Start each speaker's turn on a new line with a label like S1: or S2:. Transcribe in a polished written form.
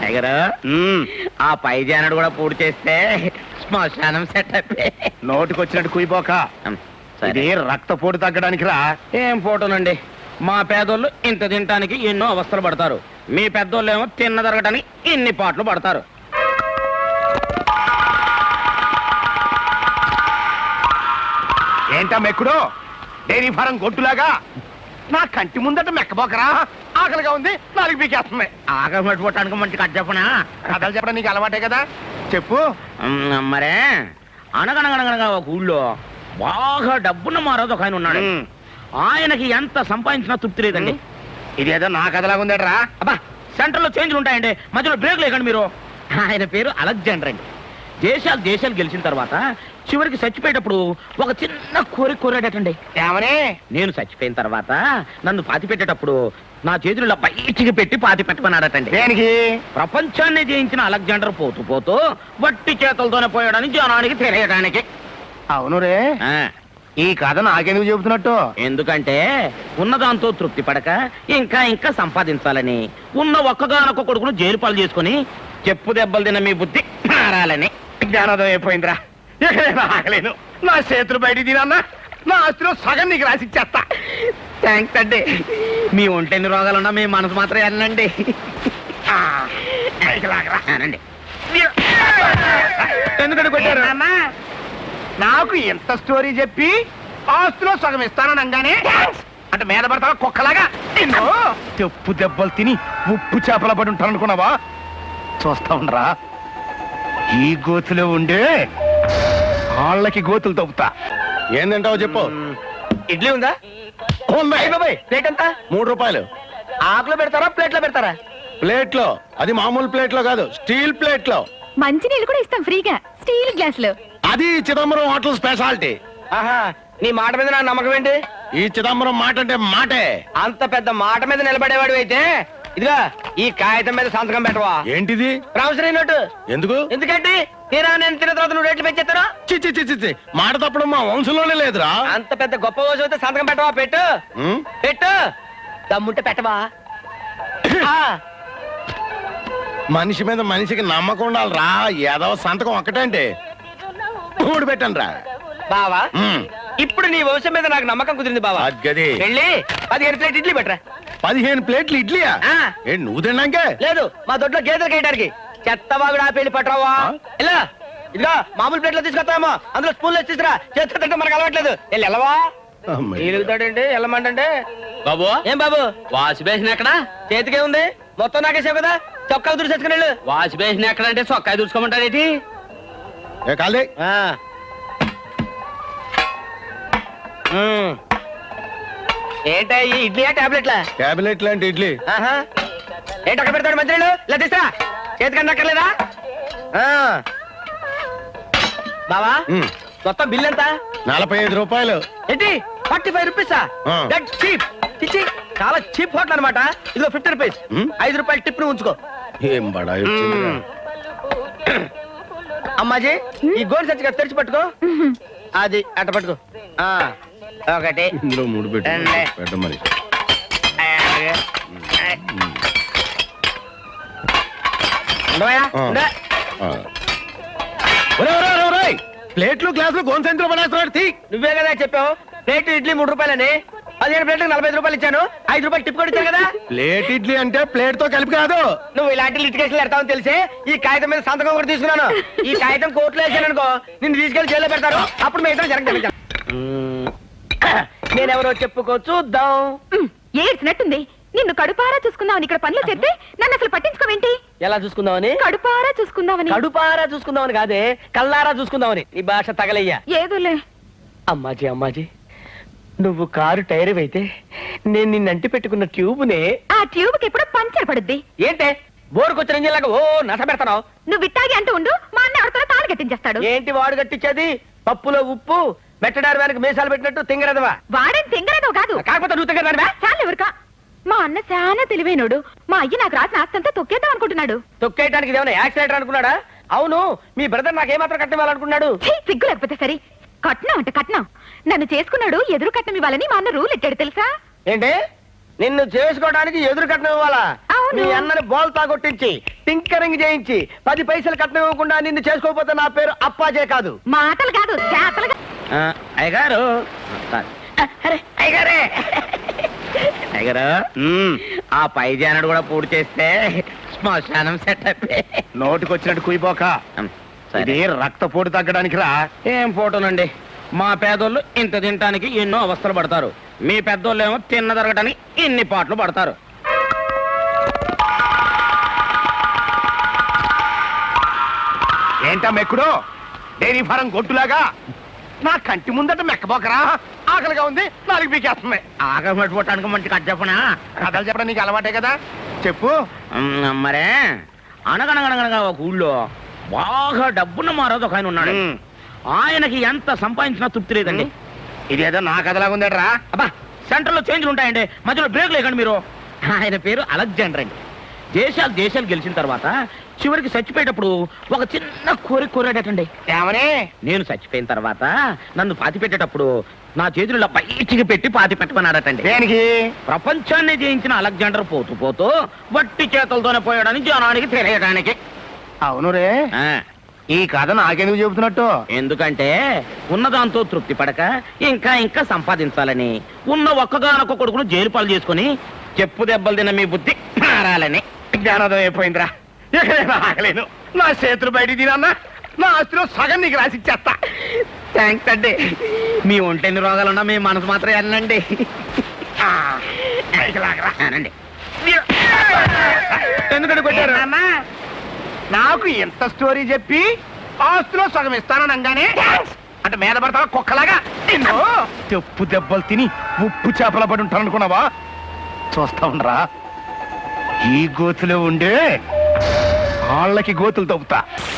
S1: Tiger ఆ పై జానడు కూడా పూర్తి చేస్తే శ్మశానం సెట్ అయిపోయి
S2: నోటికొచ్చినట్టు కుయిపోక ఇది రక్తపోటు తగ్గడానికి రా.
S1: ఏం ఫోటోనండి, మా పేదోళ్ళు ఇంత తినటానికి ఎన్నో అవస్థలు పడతారు, మీ పెద్దోళ్ళు ఏమో తిన్న జరగటానికి ఇన్ని పాటలు పడతారు.
S2: ఏంటా మెక్కుడు డైరీ ఫారం గొట్టులాగా నా కంటి ముందట మెక్కబోకరా. ఆకలిగా ఉంది, నాలుగు పీకేస్తుంది.
S1: ఆకలి పట్టుకోవటానికి మంచి కథ చెప్పనా?
S2: కథలు చెప్పడం నీకు అలవాటే కదా, చెప్పు.
S1: మరే అనగనగనగనగా ఒక ఊళ్ళో బాగా డబ్బున్న మారోజు ఒక ఆయన ఉన్నాడు. ఆయనకి ఎంత సంపాదించినా తృప్తి లేదండి.
S2: ఇదేదో నా కథలాగా ఉందేట్రా.
S1: అబ్బా, సెంటర్ లో చేంజ్లు ఉంటాయండి, మధ్యలో బ్రేక్ లేకండి మీరు. ఆయన పేరు అలెగ్జాండర్ అండి. దేశాలు గెలిచిన తర్వాత చివరికి చచ్చిపోయేటప్పుడు ఒక చిన్న కోరాడటండి.
S2: ఏమని?
S1: నేను చచ్చిపోయిన తర్వాత నన్ను పాతి పెట్టేటప్పుడు నా చేతుల్లో బయటికి పెట్టి పాతి పెట్టమన్నాడటండి.
S2: దేనికి?
S1: ప్రపంచాన్ని జయించిన అలెగ్జాండర్ పోతూ పోతూ వట్టి చేతులతోనే పోయాడని జనానికి తెలియడానికి.
S2: అవును రే, ఈ కథ నాకెందుకు చెబుతున్నట్టు?
S1: ఎందుకంటే ఉన్నదాంతో తృప్తి పడక ఇంకా ఇంకా సంపాదించాలని, ఉన్న ఒక్కగానొక్క కొడుకును జైలు పాలు చేసుకుని చెప్పు దెబ్బలు తిన్న మీ బుద్ధి మారాలని.
S2: జ్ఞానోదయం అయిపోయిందిరా. ఎక్కడైనా ఆగలేను. నా చేతులు బయట తినన్నా నా ఆస్తిలో సగం నీకు రాసిచ్చేస్తా.
S1: థ్యాంక్స్ అండి. మీ ఒంటెన్ని రోగాలున్నా మీ మనసు మాత్రం వెళ్ళండి. అనండి.
S2: ఎందుకంటే కొట్టారు? నాకు ఎంత స్టోరీ చెప్పి ఆస్తిలో సగం ఇస్తాననగానే అంటే మీద పడతావా కుక్కలాగా? చెప్పు దెబ్బలు తిని ఉప్పు చేపల పడి ఉంటాను అనుకున్నావా? చూస్తా ఉండరా, ఈ గోతులో ఉండే వాళ్ళకి గోతులు తవ్వుతా.
S3: ఏందంటావు చెప్పు.
S2: ఇడ్లీ ఉందా? ప్లేట్ ఎంత?
S3: 3 రూపాయలు.
S2: ఆకులో పెడతారా ప్లేట్లో పెడతారా?
S3: ప్లేట్లో. అది మామూలు ప్లేట్లో కాదు, స్టీల్ ప్లేట్లో.
S4: మంచినీళ్ళు కూడా ఇస్తాం ఫ్రీగా, స్టీల్ గ్లాసులు.
S3: అది చిదంబరం హోటల్ స్పెషాలిటీ.
S2: ఆహా, నీ మాట మీద నా నమ్మకం ఏంటి?
S3: ఈ చిదంబరం మాట అంటే మాటే.
S2: అంత పెద్ద మాట మీద నిలబడేవాడు అయితే ఇదిగా ఈ కాగితం మీద సంతకం పెట్టవా?
S3: ఏంటిది?
S2: Promissory note.
S3: ఎందుకు?
S2: ఎందుకంటే నేను తిన్న తర్వాత నువ్వు రేట్లు పెంచేస్తాను.
S3: చి మాట తప్పడం మా వంశంలోనే లేదురా.
S2: అంత పెద్ద గొప్ప రోజు అయితే సంతకం పెట్టవా? పెట్టు పెట్టు, దమ్ముంటే పెట్టవా?
S3: మనిషి మీద మనిషికి నమ్మకం ఉండాలిరా. ఏదో సంతకం ఒక్కటంటే 3 పెట్టండి రా
S2: బావా. ఇప్పుడు నీ వంశం మీద నాకు నమ్మకం కుదిరింది బావా.
S3: అద్గది.
S2: వెళ్ళి 15 ప్లేట్ ఇడ్లీ పెట్టరా.
S3: 15 ప్లేట్లు ఇడ్లీయా? ఏంటి నువ్వు తిన్నాకే?
S2: లేదు, మా దొడ్లో గేదెలు కేయడానికి. చెత్తబాగుడు ఆ పెళ్లి పట్టరావా? ఇలా ఇదిగా మామూలు ప్లేట్లో తీసుకొస్తామో అందులో స్పూన్లో తీసుకురా. చేత్తో తింటే మనకు అలవాట్లేదు. వెళ్ళి వెళ్ళవా? ఎలుగుతాడండి వెళ్ళమంటే.
S1: బాబు,
S2: ఏం బాబు?
S1: వాష్ బేసిన్ ఎక్కడ?
S2: చేతికే ఉంది, మొత్తం నాకేసావు కదా. చొక్కా దురిసేసుకుని వెళ్ళు.
S1: వాష్ బేసిన్ ఎక్కడ అంటే చొక్కా చూసుకోమంటారేటి?
S3: కాలే.
S2: ఏంటా ఈ ఇడ్లీయా టాబ్లెట్లా?
S3: టాబ్లెట్ లాంటి ఇడ్లీ.
S2: ఏంటి అక్కడ పెడతాడు మంత్రులు? ఇలా తీసురా, చేతికన్నా అక్కర్లేదా? బావా, మొత్తం బిల్ ఎంత?
S3: 45 రూపాయలు.
S2: ఏంటి 45 రూపీసా? That cheap. చిచ్చి, చాలా చీప్ హోటల్ అనమాట. ఇదిగో 50 రూపీస్. 5 రూపాయలు టిప్ ను ఉంచుకో.
S3: ఏం బడా
S2: అమ్మాజీ, ఈ గోల్ సచ్చిగా తెరిచి పట్టుకో. అది అట్ట పట్టుకో. ఒకటి,
S3: ఇందులో 3 పెట్ట మరి. ప్లేట్లు గ్లాసులు గోన్సెంట్లో పడేస్తున్నాడు.
S2: నువ్వే కదా చెప్పావు ప్లేట్ ఇడ్లీ 3 రూపాయలని. 15 ప్లేట్లకు 45 రూపాయలు ఇచ్చాను. 5 రూపాయలు టిప్ కూడా ఇచ్చాను కదా.
S3: ప్లేట్ ఇడ్లీ అంటే ప్లేట్ తో కలిపి కాదు.
S2: నువ్వు ఇలాంటి లిటికేషన్లు పెడతావని తెలిసి ఈ కాగితం మీద సంతకం కూడా తీసుకున్నాను. ఈ కాగితం కోర్టులో వేసాను అనుకో, నిన్ను తీసుకెళ్లి జైల్లో పెడతారు. అప్పుడు మీ ఇద్దరు జరగదు. నేనెవరో చెప్పుకో చూద్దాం.
S4: ఏడ్చినట్టుంది. నిన్ను కడుపారా చూసుకుందామని ఇక్కడ పనులు చేస్తే నన్ను అసలు పట్టించుకోవేంటి?
S2: ఎలా చూసుకుందామని?
S4: కడుపారా చూసుకుందామని.
S2: కడుపారా చూసుకుందామని కాదే, కల్లారా చూసుకుందామని. ఈ భాష తగలయ్యా.
S4: ఏదోలే.
S2: అమ్మాజీ, నువ్వు కారు టైర్ అయితే నేను నిన్నంటి పెట్టుకున్న ట్యూబ్నే.
S4: ఆ ట్యూబ్ కి ఎప్పుడు పంచర్ పడుద్ది.
S2: ఏంటే బోరుకొచ్చిన ఇంజిన్లాగా ఓ నస పెడతావు?
S4: నువ్వు విట్టాగి అంటూ ఉండు, మా అన్న ఎవరితో తాడు కట్టించేస్తాడు.
S2: ఏంటి వాడు కట్టించేది? పప్పులో ఉప్పు మెట్టడారు వెనక మీసాలు పెట్టినట్టు తింగరదవా?
S4: వాడేం తింగరదో కాదు.
S2: కాకపోతే నువ్వు తింగరదానివా?
S4: చాలు ఎవరికా. మా అన్న చాలా తెలివైనడు. మా అయ్య నాకు రాసిన ఆస్తంతా తొక్కేద్దాం అనుకుంటున్నాడు.
S2: తొక్కేయడానికి ఇదేమన్నా యాక్సిడెంట్ అనుకున్నాడా? అవును, మీ బ్రదర్ నాకేమాత్రం కట్టివ్వాలనుకున్నాడు?
S4: సిగ్గు లేకపోతే సరే. కట్నం అంటే కట్నం. నన్ను చేసుకున్నాడు, ఎదురు కట్నం ఇవ్వాలని మా అన్న రూల్ ఎట్టాడు తెలుసా?
S2: ఏంటి నిన్ను చేసుకోవడానికి ఎదురు కట్నం ఇవ్వాలా
S4: అవును.
S2: మీ అన్నని బోల్తా కొట్టించి టింకరింగ్ చేయించి 10 పైసలు కట్నం ఇవ్వకుండా నిన్ను చేసుకోకపోతే నా పేరు అప్పాజే కాదు.
S4: మాటలు కాదు చేతలు
S1: అయ్యగారు అరే అయ్యగారే అయ్యగారు ఆ పై జానడు కూడా పూర్తి చేస్తే శ్మశానం సెటప్
S2: నోటికొచ్చినట్టు కుయిపోక ఇది రక్తపోటు తగ్గడానికి రా.
S1: ఏం ఫోటోలండి, మా పేదోళ్ళు ఇంత తినటానికి ఎన్నో అవస్థలు పడతారు, మీ పెద్దోళ్ళు ఏమో తిన్న తరగటానికి ఇన్ని పాటలు పడతారు.
S2: ఏంటా మెక్కుడు డైరీ ఫారం గొట్టులాగా నా కంటి ముందట మెక్కబోకరా. ఆకలిగా ఉంది, నాలుగు పీకేస్తుంది.
S1: ఆకలి పట్టుకోవటానికి మంచి కట్ చెప్పనా?
S2: కథలు చెప్పడం నీకు అలవాటే కదా, చెప్పు.
S1: మరే అనగనగనగనగా ఒక ఊళ్ళో బాగా డబ్బున్న మారోజు ఒక ఆయన ఉన్నాడు. ఆయనకి ఎంత సంపాదించినా తృప్తి లేదండి.
S2: ఇదేదో నా కథలాగా ఉందట్రా.
S1: అబ్బా సెంటర్ లో చేంజ్లు ఉంటాయండి, మధ్యలో బ్రేక్ లేకండి మీరు. ఆయన పేరు అలెగ్జాండర్ అండి. దేశాలు గెలిచిన తర్వాత చివరికి చచ్చిపోయేటప్పుడు ఒక చిన్న కోరాడటండి.
S2: ఏమని?
S1: నేను చచ్చిపోయిన తర్వాత నన్ను పాతి పెట్టేటప్పుడు నా చేతులు ఇలా బయటికి పెట్టి పాతి పెట్టమన్నాడటండి.
S2: దేనికి?
S1: ప్రపంచాన్ని జయించిన అలెగ్జాండర్ పోతూ పోతూ వట్టి చేతులతోనే పోయాడని జనానికి తెలియడానికి.
S2: అవును రే,
S1: ఆ,
S2: ఈ కథ నాకెందుకు చెబుతున్నట్టు?
S1: ఎందుకంటే ఉన్నదాంతో తృప్తి పడక ఇంకా ఇంకా సంపాదించాలని, ఉన్న ఒక్కగానొక్క కొడుకును జైలు పాలు చేసుకుని చెప్పు దెబ్బలు తిన్న మీ బుద్ధి మారాలని.
S2: జ్ఞానోదయం అయిపోయిందిరా. ఇక నేను ఆగలేను. నా చేతులు బయట తినన్నా నా ఆస్తిలో సగం నీకు రాసిచ్చేస్తా.
S1: థ్యాంక్స్ అండి. మీ ఒంటెన్ని రోగాలున్నా మీ మనసు మాత్రం వెళ్ళండి.
S2: ఆ, పైకి లాగరా.
S1: అనండి. ఎందుకంటే కొట్టారు?
S2: నాన్నా, నాకు ఎంత స్టోరీ చెప్పి ఆస్తిలో సగం ఇస్తాననగానే అంటే మీద పడతావా కుక్కలాగా? నిన్ను చెప్పు దెబ్బలు తిని ఉప్పు చేపల పడి ఉంటాను అనుకున్నావా? చూస్తా ఉండరా, ఈ గోతులో ఉండే వాళ్ళకి గోతులు తవ్వుతా.